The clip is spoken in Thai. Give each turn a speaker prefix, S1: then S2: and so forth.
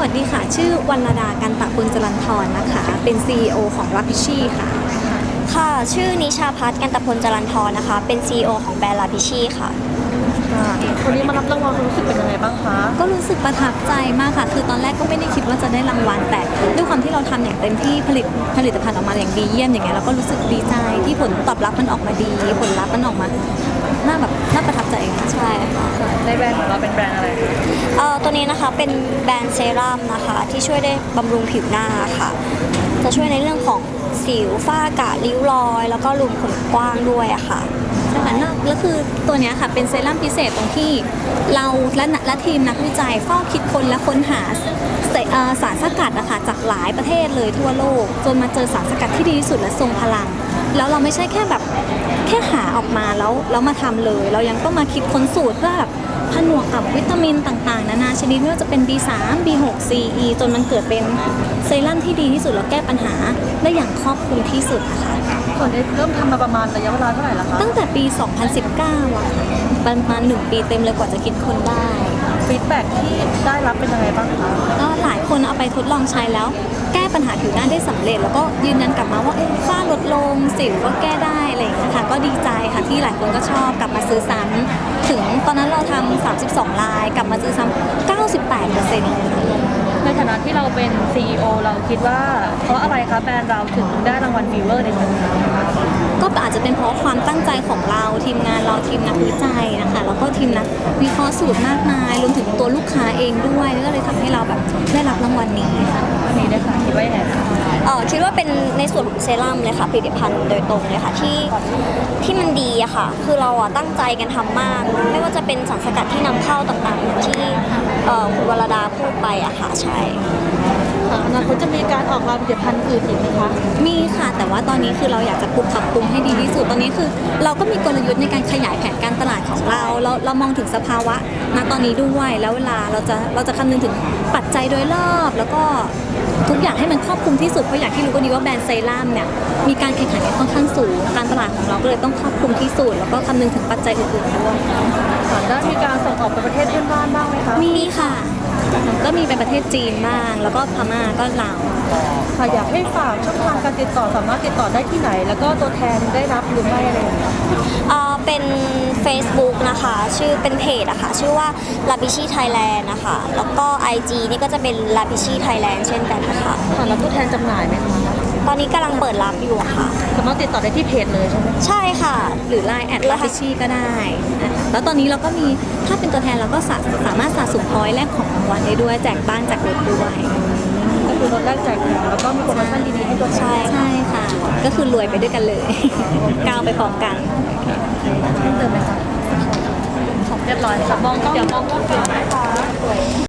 S1: วัสดีค่ะชื่อวรรณดากันตะปุญจรัญทรนะคะเป็น CEO ของ Rapishi ค่ะ
S2: ค่ะชื่อนิชาพัฒน์กันตพลจรัญทรนะคะเป็น CEO ของแบรนด์ลาพิชีค่ะ
S3: วันนี้มารับรางวัลรู้สึกเป็นยังไงบ้างคะ
S1: ก็รู้สึกประทับใจมากค่ะคือตอนแรกก็ไม่ได้คิดว่าจะได้รางวัลแต่ด้วยความที่เราทำอย่างเต็มที่ผลิตภัณฑ์ออกมาอย่างดีเยี่ยมอย่างเงี้ยเราก็รู้สึกดีใจที่ผลตอบรับมันออกมาดีผลลัพธ์มันออกมาน่าประทับใจค่ะ
S2: ใช่ค่ะ
S3: ในแบรนด์ของเราเป็นแบรนด์อะไรคะ
S2: ตัวนี้นะคะเป็นแบรนด์เซรั่มนะคะที่ช่วยได้บำรุงผิวหน้าค่ะจะช่วยในเรื่องของสิวฝ้ากระริ้วรอยแล้วก็รูขุมขนกว้างด้วยอะค่ะ
S1: ใช่ค่ะแล้วคือตัวนี้ค่ะเป็นเซรั่มพิเศษตรงที่เราและทีมนักวิจัยเฝ้าคิดค้นและค้นหาสารสกัดนะคะจากหลายประเทศเลยทั่วโลกจนมาเจอสารสกัดที่ดีที่สุดและทรงพลังแล้วเราไม่ใช่แค่หาออกมาแล้วมาทำเลยเรายังต้องมาคิดค้นสูตรเพื่อแบบผนวกกับวิตามินต่างๆนานาชนิดไม่ว่าจะเป็น B3 B6 CE จนมันเกิดเป็นเซรั่มที่ดีที่สุดแล้วแก้ปัญหาได้อย่างครอบคลุมที่สุดนะคะ
S3: ส่วนนี้เริ่มทำมาประมาณระยะเวลาเท่าไหร่แล้วคะ
S1: ตั้งแต่ปี 2019อะค่ะประมาณ1 ปีเต็มเลยกว่าจะคิดค้นได้
S3: ฟีดแบ็กที่ได้รับเป็นยังไงบ้างคะ
S1: ก็หลายคนเอาไปทดลองใช้แล้วแก้ปัญหาผิวหน้าได้สำเร็จแล้วก็ยืนยันกลับมาว่าฝ้าลดลงสิวก็แก้ได้อะไรอย่างเงี้ยค่ะก็ดีใจค่ะที่หลายคนก็ชอบกลับมาซื้อซ้ำถึงตอนนั้นเราทำ32ลายกลับมาซื้อซ้ำ98%เลยค่ะ
S3: ในฐานะที่เราเป็น CEO เราคิดว่าเพราะอะไรคะแบรนด์เราถึงได้รางวัลฟีเวอร์ในครั้งนี้
S1: ก็อาจจะเป็นเพราะความตั้งใจของเราทีมงานเราทีมนักวิจัยนะคะแล้วก็ทีมนักวิเคราะห์สูตรมากมายรวมถึงตัวลูกค้าเองด้วยก็เลยทำให้เราแบบได้รับรางวัลนี้
S3: วันนี้ได้ค่ะคิดว่ายังไงคะ
S2: คิดว่าเป็นในส่วนของเซรั่มเลยค่ะผลิตภัณฑ์โดยตรงเลยค่ะที่มันดีอะค่ะคือเราอะตั้งใจกันทำมากไม่ว่าจะเป็นสารสกัดที่นำเข้าต่างๆอย่างที่คุณวรดาพูดไปอะค่ะใช่
S3: อนาคตจะมีการออกผลิตภัณฑ์อื่นอีกไหมคะ
S1: มีค่ะแต่ว่าตอนนี้คือเราอยากจะปรับปรุงให้ดีที่สุดตอนนี้คือเราก็มีกลยุทธ์ในการขยายแผนการตลาดของเรามองถึงสภาวะณตอนนี้ด้วยแล้วเวลาเราจะคำนึงถึงปัจจัยโดยรอบแล้วก็ทุกอย่างให้มันครอบคลุมที่สุดเพราะอย่างที่รู้ก็ดีว่าแบรนด์เซรั่มเนี่ยมีการแข่งขันกันค่อนข้างสูงการตลาดของเราก็เลยต้องครอบคลุมที่สุดแล้วก็คำนึงถึงปัจจัยอื่นๆด้วย
S3: ได้มีการส่งออกไปประเทศเพื่อนบ้านบ้างไหมคะ
S1: มีค่ะก็มีเป็นประเทศจีนบ้างแล้วก็พม่าก็ลาว
S3: ค่ะอยากให้ฝากช่องทางการติดต่อสามารถติดต่อได้ที่ไหนแล้วก็ตัวแทนได้รับหรือไม่อะไรอย่างเงี้ย
S2: เป็น Facebook นะคะชื่อเป็นเพจอะค่ะชื่อว่า Rapishi Thailand นะคะแล้วก็ IG นี่ก็จะเป็น Rapishi Thailand เช่นกันนะคะ
S3: แล้วตัวแทนจำหน่ายไหมคะ
S2: ตอนนี้กำลังเปิดรับอยู่ค่ะ
S3: สามารถติดต่อได้ที่เพจเลยใช่ไหม
S2: ใช่ค่ะ
S1: หรือ Line @Rapishi ก็ได้แล้วตอนนี้เราก็มีถ้าเป็นตัวแทนเราก็สามารถสะสมพอยต์แลกของรางวัลได้ด้วยแจกบ้านแจกรถด้วย
S3: ก็คือลดแรกแจกแล้วก็มีโปรโมชั่นดีๆให้ตัวแทน
S1: ใช่ค่ะก็คือรวยไปด้วยกันเลยก้าวไปพร้อมกัน
S3: เติมไหมคะเรียบร้อยค่ะมองก็เดี๋ยวมองก็เปลี่ยนนะคะ